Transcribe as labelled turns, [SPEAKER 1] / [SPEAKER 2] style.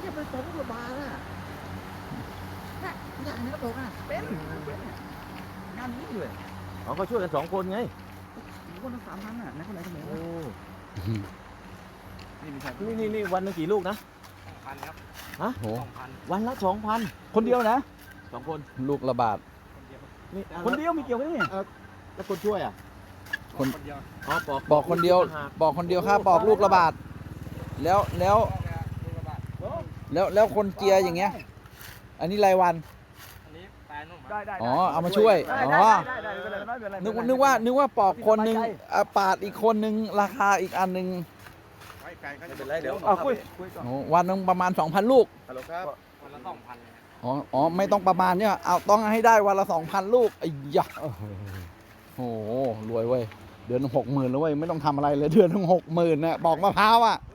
[SPEAKER 1] จะไปปอกลูกระบาดอ่ะนะอย่างนี้ก็บอกอ่ะเป็นงานนี้เลย
[SPEAKER 2] เขาก็ช่วยกัน2 คนไง
[SPEAKER 1] คนละ3,000อ่ะนั่นคนไหนคนไหน
[SPEAKER 2] โอ้
[SPEAKER 1] นี่ไม่ใช่
[SPEAKER 2] นี่วันหนึงกี่ลูกนะ
[SPEAKER 3] 2,000 ครับ
[SPEAKER 2] ฮะ
[SPEAKER 4] โห
[SPEAKER 2] วันละ 2,000
[SPEAKER 1] คนเดียวนะ
[SPEAKER 2] 2 คน
[SPEAKER 4] ลูกระบาด
[SPEAKER 2] นี่
[SPEAKER 1] คนเดียวมีเกี่ยวกันเนี่ย
[SPEAKER 2] แล้วคนช่วยอ่ะ
[SPEAKER 4] คน
[SPEAKER 3] เดียว
[SPEAKER 2] อ๋อปอก
[SPEAKER 4] บอกคนเดียว
[SPEAKER 2] ต่างหาก
[SPEAKER 4] บอกคนเดียวค่าปอกลูกระบาดแล้วคนเจียอย่างเงี้ย อันนี้รายวัน
[SPEAKER 3] อันนี้ปลายนุ่ม
[SPEAKER 1] ได้
[SPEAKER 4] อ๋อเอามาช่วย
[SPEAKER 1] ได้
[SPEAKER 4] อ๋อ
[SPEAKER 1] ได้ไม่เป็นไรไม่เป็นไร
[SPEAKER 4] นึกว่าปอกคนหนึ่งปาดอีกคนหนึ่งราคาอีกอันหนึ่ง
[SPEAKER 2] ไม่เป็นไรเดี๋ยว
[SPEAKER 1] เอาคุยก่อน
[SPEAKER 4] โอ้วันหนึงประมาณ 2,000 ลูก
[SPEAKER 2] ฮัลโหลครับ
[SPEAKER 3] วันละ 2,000 เลยครับ
[SPEAKER 4] อ๋อไม่ต้องประมาณเนี่ยเอาต้องให้ได้วันละ 2,000 ลูกไอ้ยะโอ้โหรวยเว้ยเดือน 60,000แล้วเว้ยไม่ต้องทำอะไรเลยเดือน 60,000นะปอกมะพร้าวอ่ะ